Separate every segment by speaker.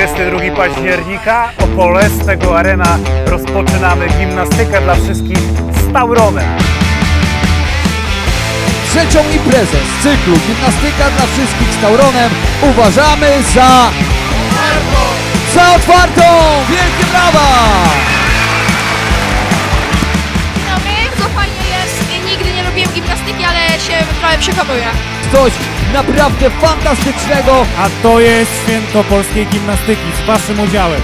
Speaker 1: 22 października, Opole, z tego Arena, rozpoczynamy gimnastykę dla wszystkich z Tauronem.
Speaker 2: Trzecią imprezę z cyklu Gimnastyka dla wszystkich z Tauronem uważamy za otwartą! Wielkie brawa!
Speaker 3: Bardzo fajnie jest. Nigdy nie lubiłem gimnastyki, ale się trochę przekonuję.
Speaker 2: Coś naprawdę fantastycznego.
Speaker 4: A to jest święto polskiej gimnastyki z waszym udziałem.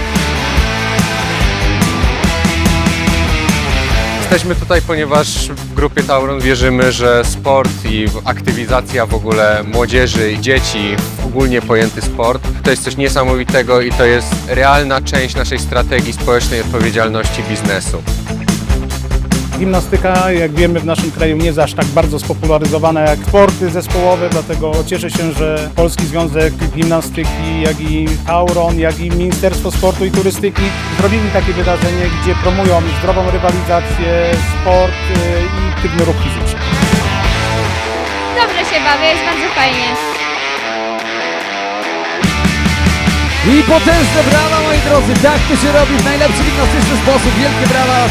Speaker 5: Jesteśmy tutaj, ponieważ w grupie Tauron wierzymy, że sport i aktywizacja w ogóle młodzieży i dzieci, ogólnie pojęty sport, to jest coś niesamowitego i to jest realna część naszej strategii społecznej odpowiedzialności biznesu.
Speaker 1: Gimnastyka, jak wiemy, w naszym kraju nie jest aż tak bardzo spopularyzowana jak sporty zespołowe, dlatego cieszę się, że Polski Związek Gimnastyki, jak i Tauron, jak i Ministerstwo Sportu i Turystyki zrobili takie wydarzenie, gdzie promują zdrową rywalizację, sport i aktywny ruch fizyczny.
Speaker 3: Dobrze się bawię, jest bardzo fajnie.
Speaker 2: I potężne brawa, moi drodzy, tak to się robi w najlepszy gimnastyczny sposób. Wielkie brawa!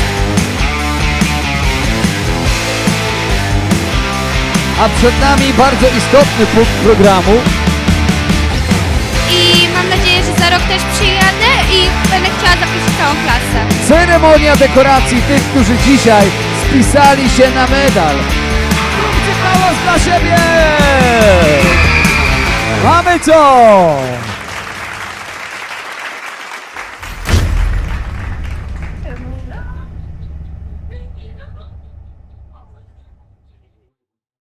Speaker 2: A przed nami bardzo istotny punkt programu.
Speaker 3: I mam nadzieję, że za rok też przyjadę i będę chciała zaprosić całą klasę.
Speaker 2: Ceremonia dekoracji tych, którzy dzisiaj spisali się na medal. Zróbcie hałas dla siebie! Mamy to!